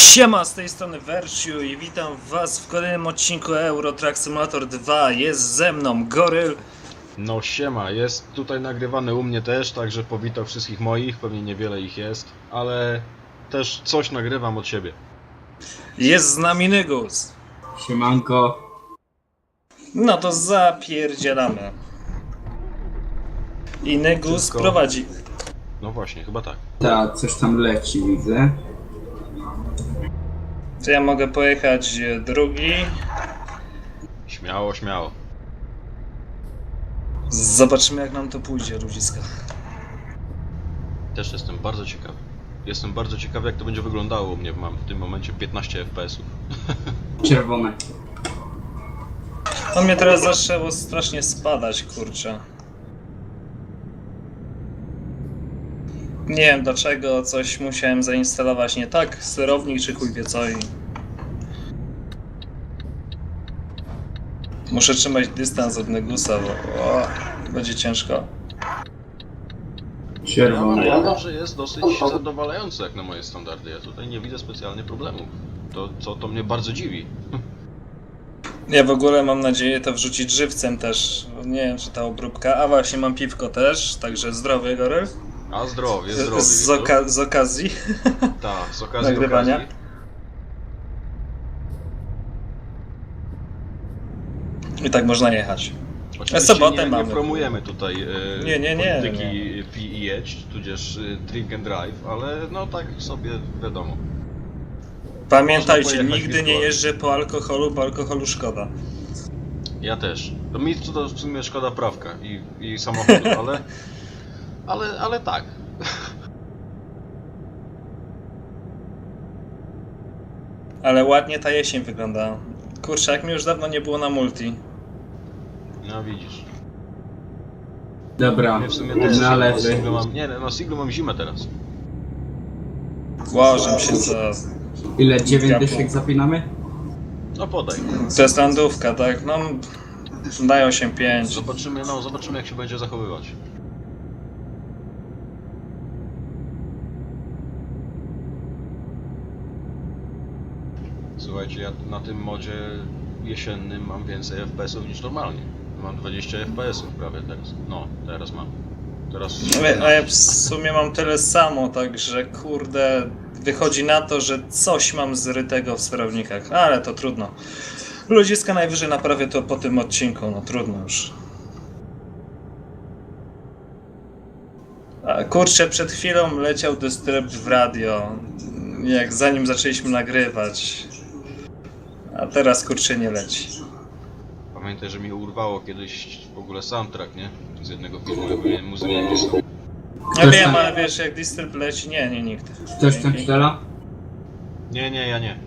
Siema, z tej strony Versiu i witam was w kolejnym odcinku Euro Truck Simulator 2. Jest ze mną Goryl. No siema, jest tutaj nagrywany u mnie też, także powitał wszystkich moich, pewnie niewiele ich jest, ale też coś nagrywam od siebie. Jest z nami Nygus. Siemanko. No to zapierdzielamy. I Nygus Tylko- prowadzi. No właśnie, chyba tak. Ta, coś tam leci, widzę. To ja mogę pojechać drugi. Śmiało, śmiało. Zobaczymy jak nam to pójdzie, ludziska. Też jestem bardzo ciekawy. Jestem bardzo ciekawy, jak to będzie wyglądało u mnie. Mam w tym momencie 15 FPS-ów. Czerwone. On mnie teraz zaczęło strasznie spadać, kurczę. Nie wiem dlaczego, coś musiałem zainstalować nie tak, sterownik czy chuj wie co i... Muszę trzymać dystans od Nygusa, bo będzie ciężko. Ja Czerwone. uważam, że jest dosyć zadowalający jak na moje standardy. Ja tutaj nie widzę specjalnie problemów. To mnie bardzo dziwi. Ja w ogóle mam nadzieję to wrzucić żywcem też. Nie wiem czy ta obróbka, a właśnie mam piwko też, także zdrowie Goryl. A zdrowie, zdrowie. Z okazji. Tak, z okazji Nagrywania. okazji. I tak można jechać. Oczywiście sobotę nie mamy. promujemy tutaj Nie. polityki pij i jedź, tudzież drink and drive, ale no tak sobie wiadomo. Pamiętajcie, Można pojechać nigdy nie wirtualnie. jeżdżę po alkoholu szkoda. Ja też. To mi to w sumie szkoda prawka i samochodu, ale tak. Ale ładnie ta jesień wygląda. Kurczę, jak mi już dawno nie było na multi. No widzisz. Dobra, Ja w sumie też na lewy. singlu mam, nie, na singlu mam zimę teraz. Łożę się co... Ile? 9 dyszek zapinamy? No podaj. To jest landówka, tak? No... Dają się 5. Zobaczymy jak się będzie zachowywać. Słuchajcie, ja na tym modzie jesiennym mam więcej FPS-ów niż normalnie. Mam 20 FPS-ów prawie teraz. No, teraz mam. Teraz... A ja w sumie mam tyle samo, także kurde... Wychodzi na to, że coś mam zrytego w sterownikach, ale to trudno. Ludziska najwyżej naprawię to po tym odcinku, no trudno już. A kurczę, przed chwilą leciał Disturbed w radio, jak zanim zaczęliśmy nagrywać. A teraz kurczę nie leci. Pamiętaj, że mi urwało kiedyś w ogóle soundtrack, nie? Z jednego filmu, ja powinienem muzykę jakąś. Ja Ktoś wiem, tam- ale wiesz, jak Disturb leci, nie, nikt. Ktoś tam strzela? Nie, ja nie.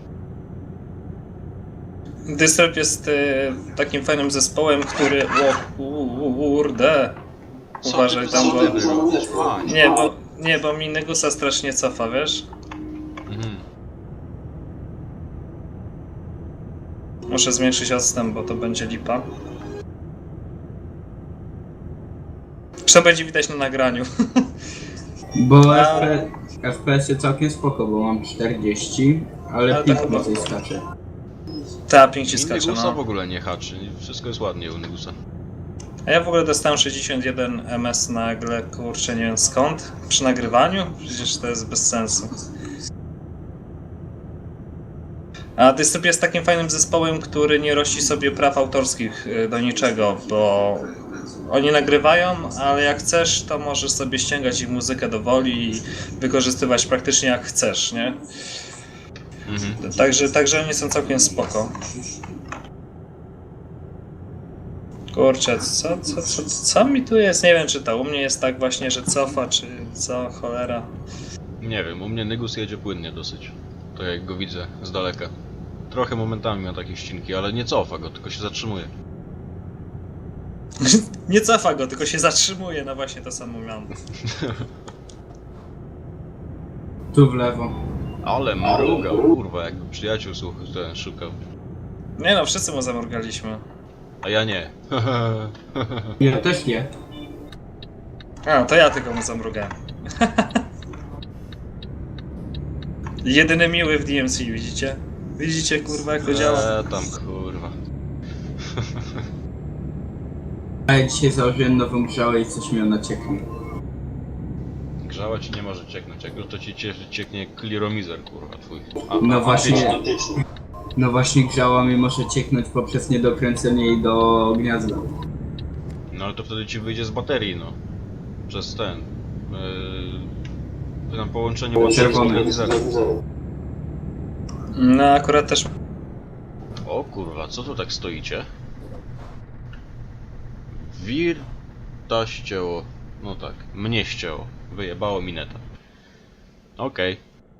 Disturb jest takim fajnym zespołem, który... O kurde... Uważaj tam, bo... Nie, bo mi Nygusa strasznie cofa, wiesz? Mhm. Muszę zmniejszyć odstęp, bo to będzie lipa. To będzie widać na nagraniu. Bo A- FPS całkiem spoko, bo mam 40, ale Ale pik tak- więcej skacze. Ta pięć I skacze, Nygusa w no. ogóle nie haczy, wszystko jest ładnie u Nygusa. A ja w ogóle dostałem 61 ms nagle, kurczę, nie wiem skąd. Przy nagrywaniu? Przecież to jest bez sensu. A Disturb jest takim fajnym zespołem, który nie rości sobie praw autorskich do niczego, bo oni nagrywają, ale jak chcesz, to możesz sobie ściągać ich muzykę do woli i wykorzystywać praktycznie jak chcesz, nie? Mhm. Także oni są całkiem spoko. Kurczę, co mi tu jest? Nie wiem, czy to u mnie jest tak właśnie, że cofa, czy co, cholera. Nie wiem, u mnie Nygus jedzie płynnie dosyć. To jak go widzę z daleka. Trochę momentami ma takie ścinki, ale nie cofa go, tylko się zatrzymuje. Nie cofa go, tylko się zatrzymuje, no właśnie to samo miałem. Tu w lewo. Ale mrugał, kurwa, jakby przyjaciół ten szukał. Nie no, wszyscy mu zamrugaliśmy. A ja nie. Ja też nie. A, to ja tylko mu zamrugałem. Jedyny miły w DMC, widzicie? Widzicie, kurwa, jak to działa? Tam kurwa. A ja dzisiaj założyłem nową grzałę i coś mi ona cieknie. Grzała ci nie może cieknąć, jak to ci cieknie kliromizer, kurwa, twój. No właśnie. No właśnie grzała mi może cieknąć poprzez niedokręcenie jej do gniazda. No ale to wtedy ci wyjdzie z baterii, no. Przez ten. Na połączenie baterii z Czerwony. kliromizerem. No akurat też... O kurwa, co tu tak stoicie? Wir ta ścięło. No tak, mnie ścięło. Wyjebało mi neta. Okej.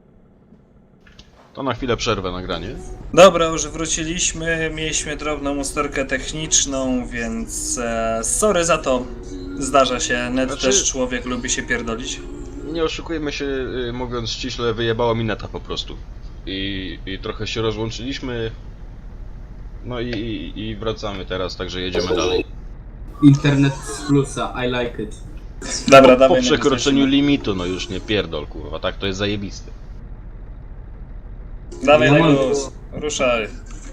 To na chwilę przerwę nagranie. Dobra, już wróciliśmy, mieliśmy drobną usterkę techniczną, więc sorry za to. Zdarza się, net Znaczy- też człowiek lubi się pierdolić. Nie oszukujmy się, mówiąc ściśle, wyjebało mi neta po prostu. I trochę się rozłączyliśmy. No i wracamy teraz, także jedziemy dalej. Internet z plusa, I like it. Dobra, Po dawaj. przekroczeniu limitu, no już nie pierdol, kurwa, tak to jest zajebiste. Dawaj Ja na mam- głos, ruszaj.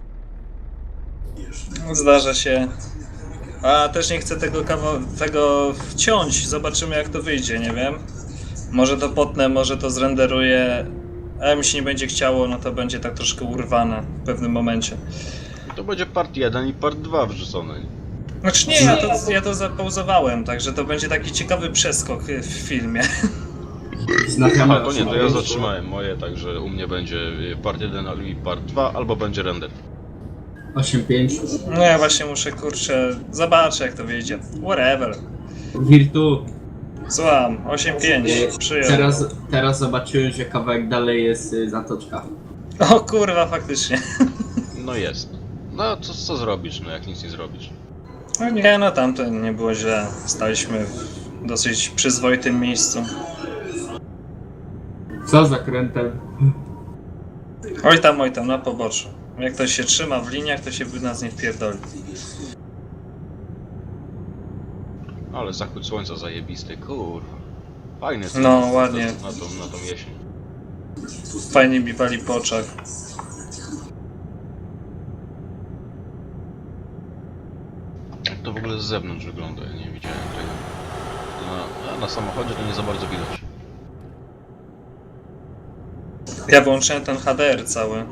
Zdarza się. A też nie chcę tego wciąć, zobaczymy jak to wyjdzie, nie wiem. Może to potnę, może to zrenderuję. A jak mi się nie będzie chciało, no to będzie tak troszkę urwane w pewnym momencie. To będzie part 1 i part 2 wrzucony. Znaczy nie, ja to zapauzowałem, także to będzie taki ciekawy przeskok w filmie. Znaczamy Aha, to nie, to ja zatrzymałem moje, także u mnie będzie part 1 i part 2, albo będzie render. 8.5. No ja właśnie muszę, kurczę, zobaczę jak to wyjdzie. Whatever. Virtu. Słucham, 8.5, przyjął. Teraz zobaczyłem, że kawałek dalej jest zatoczka. O kurwa, faktycznie. No jest. No co zrobisz, no jak nic nie zrobisz. No nie, no tamto nie było źle. Staliśmy w dosyć przyzwoitym miejscu. Co za krętem? Oj tam, na poboczu. Jak ktoś się trzyma w liniach, to się by nas nie wpierdoli. Ale zachód słońca zajebisty, kurwa. Fajny jest No, ten- ładnie. Na tą jesień. Fajnie mi pali po oczach. Jak to w ogóle z zewnątrz wygląda, ja nie widziałem tego. Na samochodzie to nie za bardzo widać. Ja wyłączyłem ten HDR cały.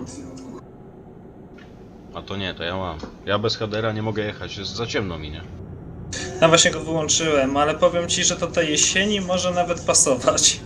A to nie, to ja mam. Ja bez HDR-a nie mogę jechać, jest za ciemno mi, nie? No właśnie go wyłączyłem, ale powiem ci, że to tej jesieni może nawet pasować.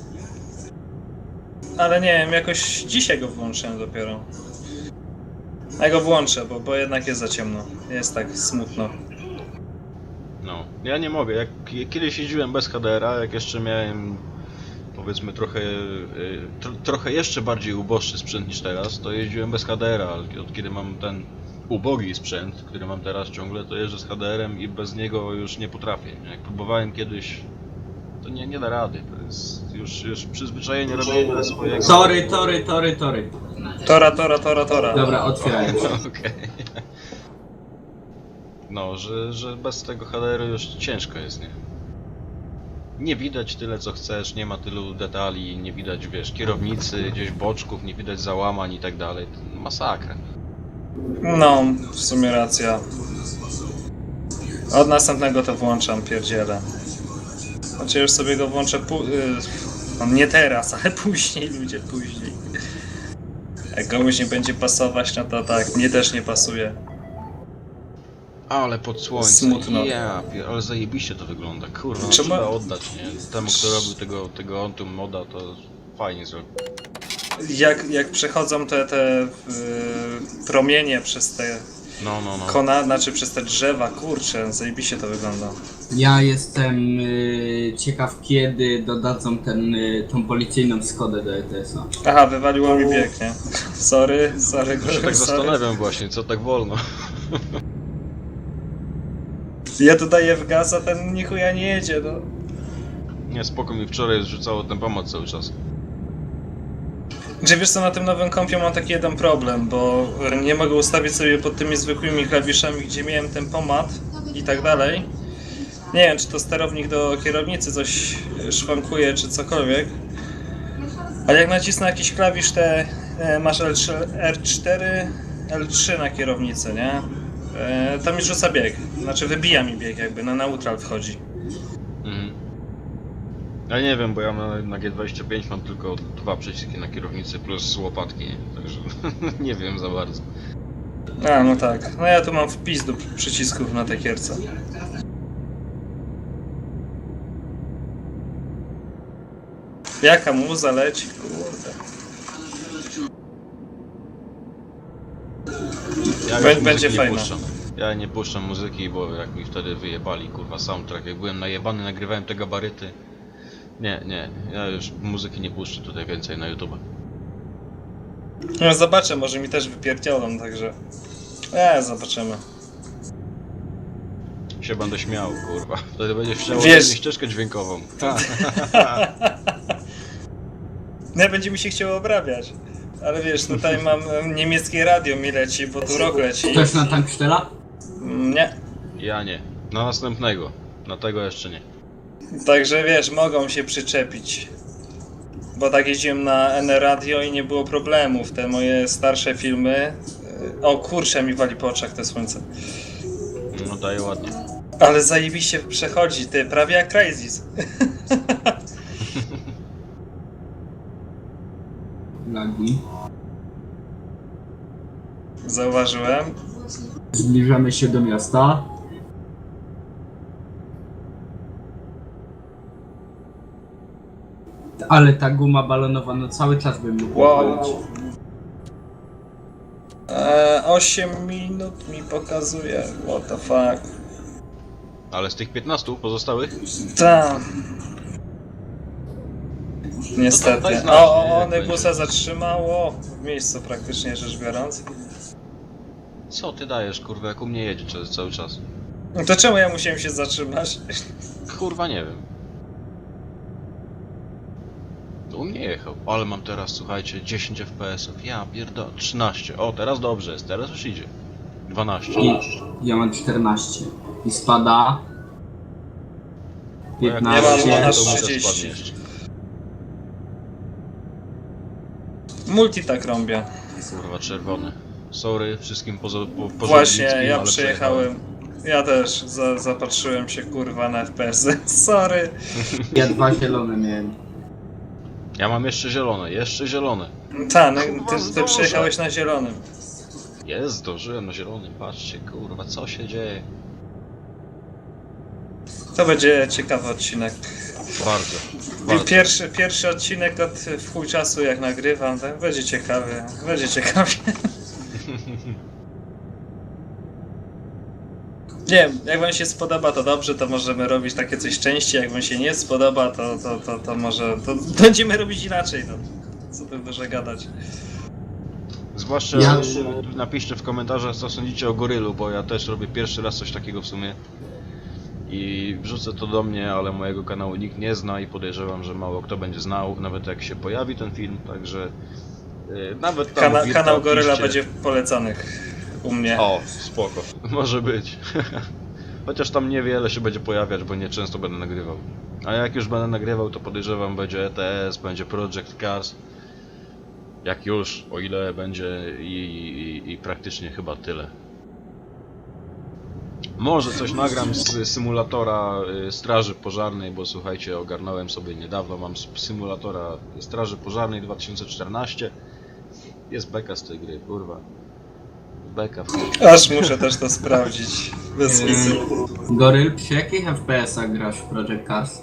Ale nie wiem, jakoś dzisiaj go wyłączyłem dopiero. Ja go włączę, bo jednak jest za ciemno. Jest tak smutno. No, ja nie mogę. Jak kiedyś jeździłem bez HDR-a, jak jeszcze miałem powiedzmy trochę jeszcze bardziej uboższy sprzęt niż teraz, to jeździłem bez HDR-a, ale od kiedy mam ten ubogi sprzęt, który mam teraz ciągle, to jeżdżę z HDR-em i bez niego już nie potrafię. Jak próbowałem kiedyś, to nie da rady. To jest już przyzwyczajenie robienia swojego. Tory. Tora. Dobra, otwieraj. Okej. No, że bez tego HDR-u już ciężko jest, nie? Nie widać tyle co chcesz, nie ma tylu detali, nie widać, wiesz, kierownicy, gdzieś boczków, nie widać załamań i tak dalej. To masakra. No, w sumie racja. Od następnego to włączam, pierdzielę. Znaczy już sobie go włączę nie teraz, ale później, ludzie, później. Jak komuś nie będzie pasować, no to tak, mnie też nie pasuje. Ale pod słońce. Smutno. Ale zajebiście to wygląda. Kurwa, no Trzeba- trzeba oddać, nie? Temu, kto robił tego Ontum moda, to fajnie zrobił. Jak przechodzą te promienie przez te No. znaczy przez te drzewa, kurczę, zajebiście to wygląda. Ja jestem ciekaw, kiedy dodadzą tą policyjną Skodę do ETS-a. Aha, wywaliło mi bieg, nie? Sorry, Ja się tak sorry. zastanawiam właśnie, co tak wolno. Ja tu daję w gaz, a ten ni chuja nie jedzie, no. Nie, spoko, mi wczoraj zrzucało ten pomoc cały czas. Że wiesz co, na tym nowym kompie mam taki jeden problem, bo nie mogę ustawić sobie pod tymi zwykłymi klawiszami, gdzie miałem tempomat i tak dalej. Nie wiem, czy to sterownik do kierownicy coś szwankuje, czy cokolwiek. Ale jak nacisnę jakiś klawisz, masz L3, R4, L3 na kierownicy, nie? To mi rzuca bieg. Znaczy wybija mi bieg jakby, na neutral wchodzi. Mhm. Ja nie wiem, bo ja na G25 mam tylko 2 przyciski na kierownicy plus łopatki, także nie wiem za bardzo. A, no tak. No ja tu mam wpis do przycisków na tej gierce. Jaka muza leci, kurde. Ja Będzie już muzyki nie fajne. puszczam. Ja nie puszczam muzyki, bo jak mi wtedy wyjebali, kurwa, soundtrack. Jak byłem najebany, nagrywałem te gabaryty. Nie, ja już muzyki nie puszczę tutaj więcej na YouTube. No zobaczę, może mi też wypierdzielą, także... zobaczymy. Się będę śmiał, kurwa. Wtedy będziesz chciał Wiesz- ścieżkę dźwiękową. Nie, będzie mi się chciało obrabiać. Ale wiesz, tutaj mam niemieckie radio mi leci, bo tu rok leci. Ktoś na Tankstella? Nie. Ja nie. Na następnego. Na tego jeszcze nie. Także wiesz, mogą się przyczepić. Bo tak jeździłem na N Radio i nie było problemów. Te moje starsze filmy... O kurczę, mi wali po oczach te słońce. No daje ładnie. Ale zajebiście przechodzi, ty, prawie jak Crazies. Lagi. Zauważyłem. Zbliżamy się do miasta. Ale ta guma balonowa, no cały czas bym mógł Wow. popalić. 8 minut mi pokazuje. What the fuck. Ale z tych 15 pozostałych? Tam. Niestety. daj znać, nie, jak Negusa będzie. zatrzymało w miejscu praktycznie rzecz biorąc. Co ty dajesz, kurwa, jak u mnie jedzie cały czas? To czemu ja musiałem się zatrzymać? Kurwa, nie wiem. U mnie jechał, ale mam teraz, słuchajcie, 10 FPS-ów. Ja pierdolę, 13. O, teraz dobrze jest, teraz już idzie. 12. I ja mam 14. I spada. Bo jak 15. Ja mam aż to mi to 30. spadnie jeszcze. Multi tak rąbia. Kurwa, czerwony. Sorry wszystkim poza Właśnie, Żerlickim, ja ale przejechałem. Ja też zapatrzyłem się kurwa na FPS-y. Sorry. Ja 2 zielone miałem. Ja mam jeszcze zielone. Tak, no, Kurwa, ty zdążę. przejechałeś na zielonym. Jest, zdążyłem na zielonym, patrzcie, kurwa, co się dzieje. To będzie ciekawy odcinek. Bardzo. Pierwszy odcinek od w chuj czasu jak nagrywam, tak? Będzie ciekawy, będzie ciekawie. Nie wiem, jak wam się spodoba to dobrze, to możemy robić takie coś częściej, jak wam się nie spodoba to może, to będziemy robić inaczej, no. Co tu dużo gadać. Zwłaszcza napiszcie w komentarzach, co sądzicie o Gorylu, bo ja też robię pierwszy raz coś takiego w sumie. I wrzucę to do mnie, ale mojego kanału nikt nie zna i podejrzewam, że mało kto będzie znał, nawet jak się pojawi ten film, także nawet tam Kanał Goryla piszcie. będzie w polecanych u mnie. O, spoko, może być. Chociaż tam niewiele się będzie pojawiać, bo nie często będę nagrywał. A jak już będę nagrywał, to podejrzewam będzie ETS, będzie Project Cars. Jak już, o ile będzie i praktycznie chyba tyle. Może coś nagram z symulatora Straży Pożarnej, bo słuchajcie, ogarnąłem sobie niedawno, mam symulatora Straży Pożarnej 2014. Jest beka z tej gry, kurwa. Beka w chuj. Aż muszę też to sprawdzić. Bez wizy. Goryl, przy jakich FPS-ach grasz w Project Cars?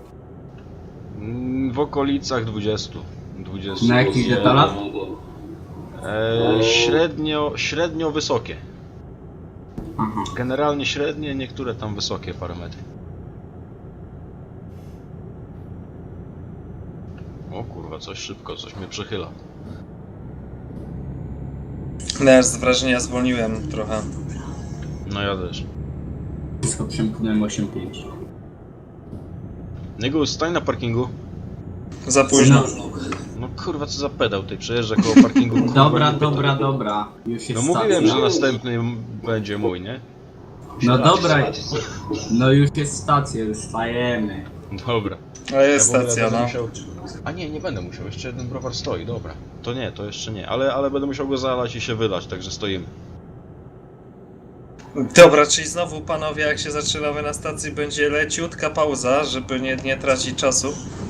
W okolicach 20. Na jakich detalach? Średnio wysokie. Aha. Generalnie średnie, niektóre tam wysokie parametry. O kurwa, coś szybko, coś mnie przechyla. No ja z wrażenia zwolniłem trochę. No ja też. Wszystko przemknąłem 8.5. Niego stań na parkingu. Za późno. No kurwa, co za pedał ty przejeżdża koło parkingu. Kurwa, Dobra, nie pytaj. dobra. Już jest No mówiłem, stacja. że następny będzie mój, nie? No dobra, no już jest stacja, już stajemy. Dobra. Ale jest w ogóle stacja, będę no. musiał... A nie będę musiał, jeszcze jeden browar stoi, dobra. To nie, to jeszcze nie, ale będę musiał go zalać i się wylać, także stoimy. Dobra, czyli znowu panowie, jak się zaczynamy na stacji, będzie leciutka pauza, żeby nie tracić czasu.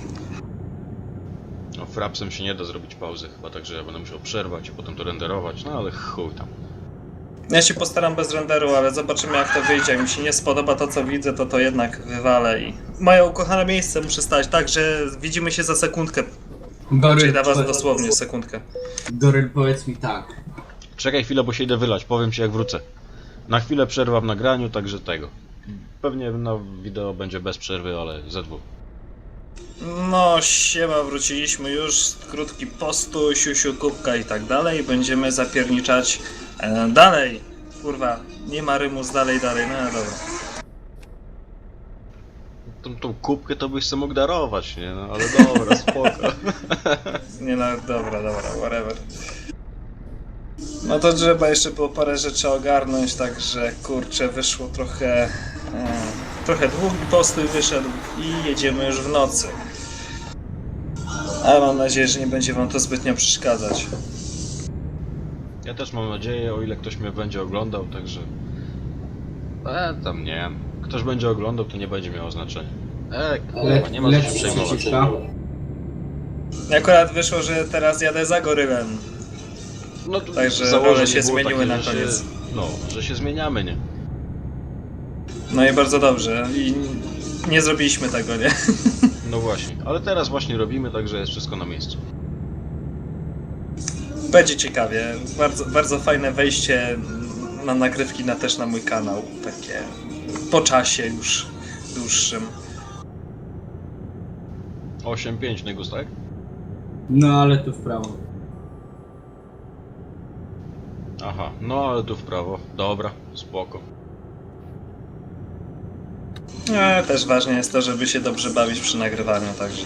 No frapsem się nie da zrobić pauzy chyba, także ja będę musiał przerwać i potem to renderować, no ale chuj tam. Ja się postaram bez renderu, ale zobaczymy jak to wyjdzie. Jak mi się nie spodoba to co widzę, to jednak wywalę i... Moje ukochane miejsce muszę stać, także widzimy się za sekundkę. Czyli Goryl, dla was dosłownie sekundkę. Goryl, powiedz mi tak. Czekaj chwilę, bo się idę wylać, powiem ci jak wrócę. Na chwilę przerwa w nagraniu, także tego. Pewnie na wideo będzie bez przerwy, ale ze dwóch. No siema, wróciliśmy już, krótki postój, siusiu, kubka i tak dalej. Będziemy zapierniczać dalej. Kurwa, nie ma rymu z dalej, no dobra. Tą kubkę to byś sobie mógł darować, nie? No ale dobra, spoko. Nie no, dobra, whatever. No to trzeba jeszcze było parę rzeczy ogarnąć, także kurczę, wyszło trochę długi postój wyszedł i jedziemy już w nocy. Ale mam nadzieję, że nie będzie wam to zbytnio przeszkadzać. Ja też mam nadzieję, o ile ktoś mnie będzie oglądał, także... tam nie. Ktoś będzie oglądał, to nie będzie miało znaczenia. Kurwa, nie ma co się przejmować. Akurat wyszło, że teraz jadę za gorylem. No to Także założenie role się było zmieniły takie, na koniec. że się zmieniamy, nie? No i bardzo dobrze. I nie zrobiliśmy tego, nie? No właśnie, ale teraz właśnie robimy, także jest wszystko na miejscu. Będzie ciekawie. Bardzo fajne wejście na nagrywki też na mój kanał. Takie po czasie już dłuższym. 8-5 Nygus, tak? No ale tu w prawo. Aha, no ale tu w prawo. Dobra, spoko. Też ważne jest to, żeby się dobrze bawić przy nagrywaniu, także...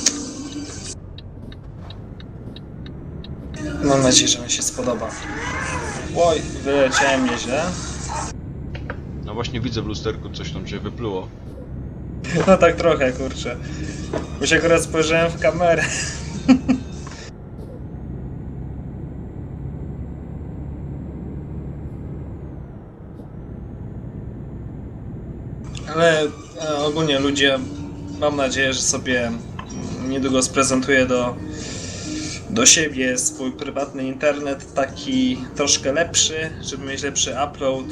Mam nadzieję, że mi się spodoba. Oj, wyleciałem nieźle. No właśnie widzę w lusterku, coś tam się wypluło. No tak trochę, kurczę. Bo się akurat spojrzałem w kamerę. Ale ogólnie ludzie, mam nadzieję, że sobie niedługo sprezentuję do siebie swój prywatny internet, taki troszkę lepszy, żeby mieć lepszy upload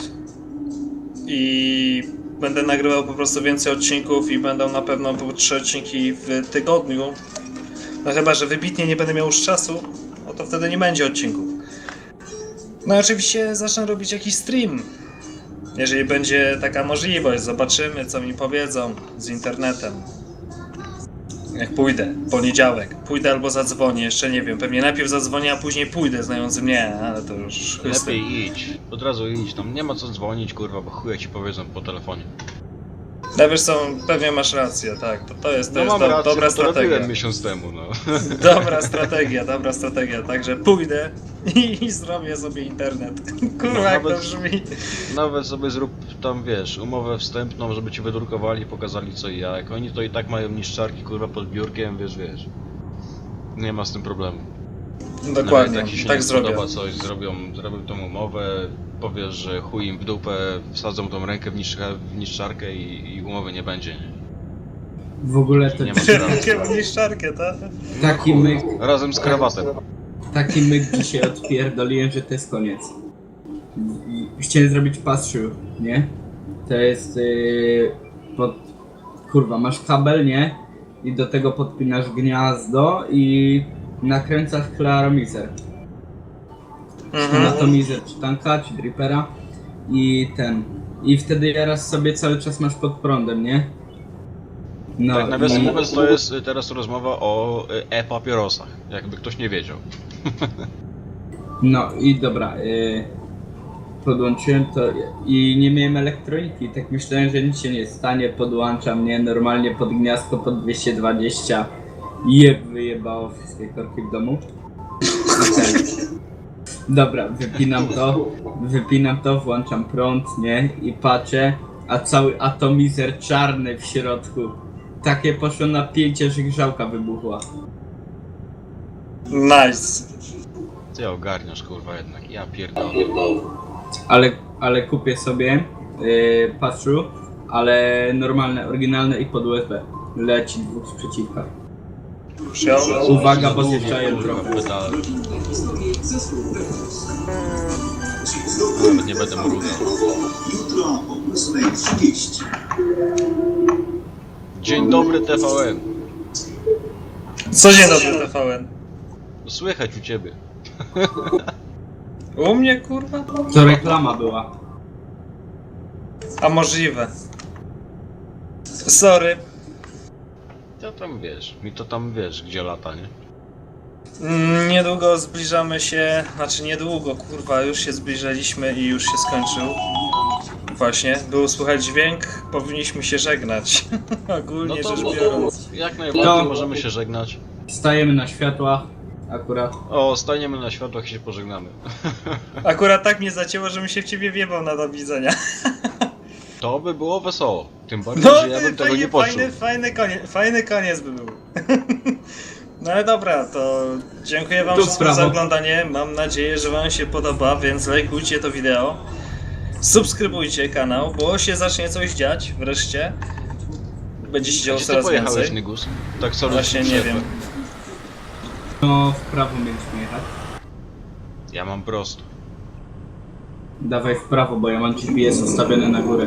i będę nagrywał po prostu więcej odcinków i będą na pewno po 3 odcinki w tygodniu. No chyba, że wybitnie nie będę miał już czasu, no to wtedy nie będzie odcinków. No i oczywiście zacznę robić jakiś stream. Jeżeli będzie taka możliwość, zobaczymy co mi powiedzą z internetem. Jak pójdę, poniedziałek, pójdę albo zadzwonię, jeszcze nie wiem, pewnie najpierw zadzwonię, a później pójdę, znając mnie, ale to już... Lepiej idź, od razu idź, tam nie ma co dzwonić, kurwa, bo chuja ci powiedzą po telefonie. No wiesz co, pewnie masz rację, tak, to jest Mam rację, dobra bo to robiłem strategia. miesiąc temu, no. Dobra strategia, także pójdę i zrobię sobie internet. Kurwa, No, jak to nawet- brzmi. Nawet sobie zrób tam, wiesz, umowę wstępną, żeby ci wydrukowali, pokazali co i jak. Oni to i tak mają niszczarki, kurwa, pod biurkiem, wiesz. Nie ma z tym problemu. Dokładnie, Nawet jak ci się tak nie zrobię. podoba coś, zrobią tą umowę, powiesz, że chuj im w dupę, wsadzą tą rękę w niszczarkę i umowy nie będzie, nie? W ogóle to Nie ma sprawy. Rękę w niszczarkę, tak? taki myk, Razem z krawatem. taki myk dzisiaj odpierdoliłem, że to jest koniec. Chciałem zrobić pass-through, nie? To jest kurwa, masz kabel, nie? I do tego podpinasz gniazdo i nakręcasz klaromizer. Atomizer czy tanka, czy dripera i wtedy jarasz sobie cały czas masz pod prądem, nie? No Tak, nawiasem mówiąc, to jest teraz rozmowa o e-papierosach, jakby ktoś nie wiedział. No i dobra, podłączyłem to i nie miałem elektroniki, tak myślałem, że nic się nie stanie, podłączam, nie, normalnie pod gniazdko pod 220 i wyjebało wszystkie korki w domu. Okay. Dobra, wypinam to, włączam prąd, nie, i patrzę, a cały atomizer czarny w środku. Takie poszło napięcie, że grzałka wybuchła. Nice. Ty ogarniasz kurwa jednak, ja pierdolę. Ale kupię sobie patrzu, ale normalne, oryginalne i pod USB. Leci dwóch z przeciwka. Przyjąłem. Uwaga, bo zjeżdżają Kurwa, trochę. pedale. Nawet nie będę mrugał. Jutro o 8:30. Dzień dobry TVN. Co dzień dobry TVN? Słychać u ciebie. U mnie kurwa? To reklama była. A możliwe. Sorry. To tam wiesz, mi to tam wiesz, gdzie lata, nie? Niedługo zbliżamy się, znaczy niedługo, kurwa, już się zbliżaliśmy i już się skończył. Właśnie, był słychać dźwięk, powinniśmy się żegnać. Ogólnie No to rzecz biorąc. jak najbardziej No. możemy się żegnać. Stajemy na światłach, akurat. O, staniemy na światłach i się pożegnamy. Akurat tak mnie zacięło, żebym się w ciebie wjebał na do widzenia. To by było wesoło. Tym bardziej, No, że ja bym tego fajnie, nie poczuł. fajny koniec by był. No ale dobra, to dziękuję wam Tu wszystkim za sprawa. oglądanie. Mam nadzieję, że wam się podoba, więc lajkujcie to wideo. Subskrybujcie kanał, bo się zacznie coś dziać wreszcie. Będzie się działo Gdzie ty coraz pojechałeś, więcej. Nygus? Tak sorry, Właśnie ci nie przerwę. wiem. No, w prawo mieliśmy jechać. Ja mam prosto. Dawaj w prawo, bo ja mam GPS ustawiony na górę.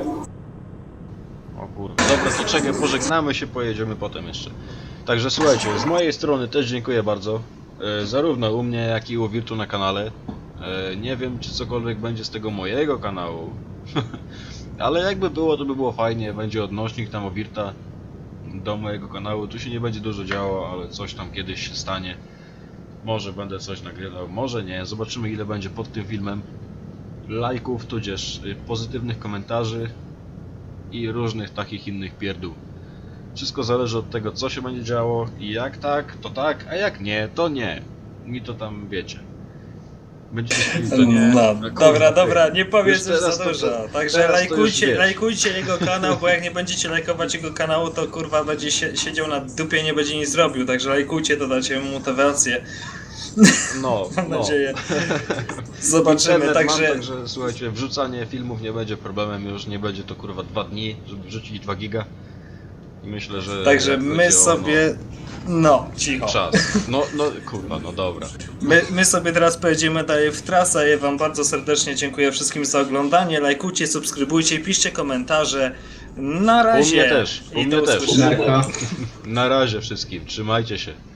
O kurwa. Dobra, to czekaj, pożegnamy się, pojedziemy potem jeszcze. Także słuchajcie, z mojej strony też dziękuję bardzo. Zarówno u mnie, jak i u Wirtu na kanale. Nie wiem, czy cokolwiek będzie z tego mojego kanału. Ale jakby było, to by było fajnie. Będzie odnośnik tam o Wirta do mojego kanału. Tu się nie będzie dużo działo, ale coś tam kiedyś się stanie. Może będę coś nagrywał, może nie. Zobaczymy, ile będzie pod tym filmem lajków, tudzież pozytywnych komentarzy i różnych takich innych pierdół. Wszystko zależy od tego, co się będzie działo i jak tak, a jak nie, to nie. Mi to tam wiecie. Będziecie chcieli, to nie. No, A kurwa, dobra, ty. nie powiedz Już już teraz za to- dużo. Także teraz to już wiesz. lajkujcie jego kanał, bo jak nie będziecie lajkować jego kanału, to kurwa będzie siedział na dupie, nie będzie nic zrobił. Także lajkujcie, to dacie mu motywację. No, Mam no. nadzieję. Zobaczymy, Internet także... mam, także słuchajcie, wrzucanie filmów nie będzie problemem, już nie będzie to kurwa 2 dni, żeby wrzucić 2 giga. I myślę, że Także jak my będzie sobie... No, cicho. czas. No kurwa, no dobra. My sobie teraz pojedziemy dalej w trasę. Ja wam bardzo serdecznie dziękuję wszystkim za oglądanie. Lajkujcie, subskrybujcie, piszcie komentarze. Na razie. U mnie też, u I mnie do też. usłyszenia. Narka. Na razie wszystkim, trzymajcie się.